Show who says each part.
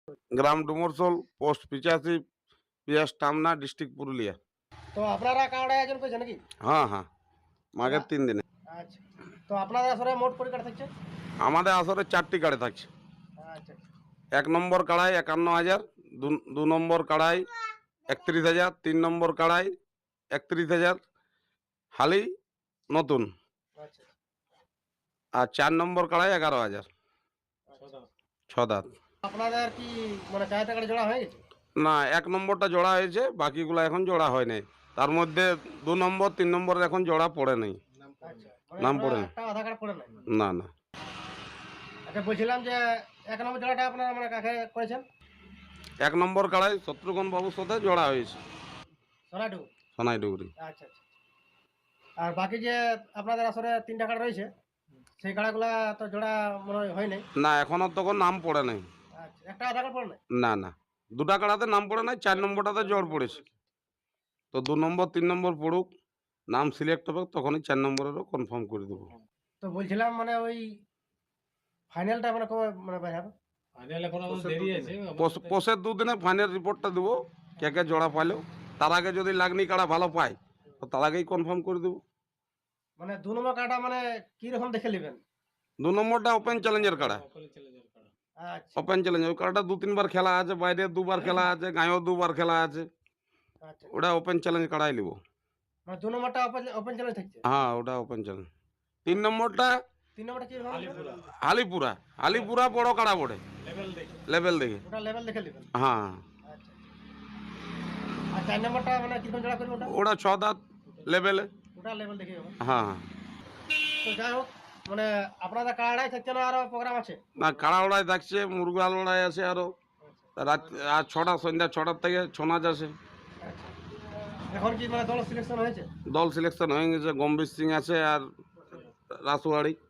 Speaker 1: গ্রাম Dumarsol, post 85, PS Tamna, district Purulia.
Speaker 2: তো আপনারা card আয়োজন করেছেন নাকি?
Speaker 1: হ্যাঁ হ্যাঁ, মাঘের 3 দিনে।
Speaker 2: আচ্ছা, তো আপনাদের আসলে মোট পরিকার থাকছে?
Speaker 1: আমাদের আসরে 4টি কাড়ে থাকছে।
Speaker 2: আচ্ছা,
Speaker 1: 1 নম্বর কাড়াই 51,000, 2 নম্বর কাড়াই 31,000, 3 নম্বর কাড়াই 31,000 হালি নতুন,
Speaker 2: আচ্ছা,
Speaker 1: আর 4 নম্বর কাড়াই 11,000 ছ দাঁত।
Speaker 2: আপনাদের কি মানে চারটা গাড়ি জোড়া হয়ে গেছে?
Speaker 1: না, 1 নম্বরটা জোড়া হয়েছে, বাকিগুলো এখন জোড়া হয় নাই। তার মধ্যে 2 নম্বর 3 নম্বরের এখন জোড়া পড়ে নাই,
Speaker 2: আচ্ছা, মানে
Speaker 1: নাম
Speaker 2: এখনো
Speaker 1: পড়ে নাই।
Speaker 2: একটা আধার কার্ড পড়ে নাই।
Speaker 1: না না,
Speaker 2: আচ্ছা, বলছিলাম যে 1 নম্বর জোড়াটা আপনারা মানে কাকে করেছেন?
Speaker 1: 1 নম্বর কাড়াই শত্রুঘ্ন বাবুর সাথে জোড়া হয়েছে,
Speaker 2: সোনাটু।
Speaker 1: সোনাই ডুগরি।
Speaker 2: আচ্ছা, আচ্ছা। আর বাকি যে আপনাদের আসলে 3টা কার্ড রয়েছে, সেই কার্ডগুলা তো জোড়া মনে হয় নাই।
Speaker 1: না, এখনো তখন নাম পড়ে নাই।
Speaker 2: আচ্ছা, একটা আধার কার্ড পড়ে নাই।
Speaker 1: না না, 2টা কাড়াতে নাম পড়ে নাই, 4 নম্বরটাতে জোর পড়েছে। তো 2 নম্বর 3 নম্বর পড়ুক, নাম সিলেক্ট হবে, তখনই 4 নম্বরেরও কনফার্ম করে দেবো।
Speaker 2: তো বলছিলাম মানে ওই ফাইনালটা মানে কবে মানে বের হবে?
Speaker 1: পোষের 2 দিনে ফাইনাল রিপোর্টটা দেবো, কে কে জোড়া পাইলো। তার আগে যদি লাগনি কাড়া ভালো পায়, তো তার আগেই কনফার্ম করে দেবো।
Speaker 2: মানে 2 নম্বর কার্ডটা মানে কি রকম দেখে নেবেন?
Speaker 1: 2 নম্বরটা ওপেন চ্যালেঞ্জের কাড়া।
Speaker 2: আচ্ছা,
Speaker 1: ওপেন চ্যালেঞ্জ, ওই কাড়াটা 2-3 বার খেলা আছে, বাইরে 2 বার খেলা আছে, গাঁয়েও 2 বার খেলা আছে।
Speaker 2: আচ্ছা।
Speaker 1: ওটা ওপেন চ্যালেঞ্জ কাড়াই নিব।
Speaker 2: মানে 2 নম্বরটা ওপেন চ্যালেঞ্জ থাকছে।
Speaker 1: হ্যাঁ, ওটা ওপেন চ্যালেঞ্জ। 3 নম্বরটা
Speaker 2: 3 নম্বরটা কি রকম?
Speaker 1: আলিপুরা। আলিপুরা বড় কাড়া পড়ে, লেভেল দেখে।
Speaker 2: ওটা লেভেল দেখে নেবেন।
Speaker 1: হ্যাঁ,
Speaker 2: আচ্ছা। আর 4 নম্বরটা মানে কিরকম জোড়া করবে ওটা?
Speaker 1: ওটা 6 দাঁত লেভেলে।
Speaker 2: ওটা লেভেল দেখে হবে।
Speaker 1: হ্যাঁ হ্যাঁ।
Speaker 2: তো যাই হোক, মানে আপনাদের কার্ডাই থাকছে না আরো প্রোগ্রাম আছে?
Speaker 1: না, কাড়া লড়াই থাকছে, মুরগা লড়াই আছে আরো। রাত আর 6টা, সন্ধ্যা 6টার থেকে ছৌ নাচ আছে।
Speaker 2: আচ্ছা। এখন কি মানে দল সিলেকশন হয়েছে?
Speaker 1: দল সিলেকশন হয়ে গেছে, গম্ভীর সিং আছে আর রাসুয়াড়ি।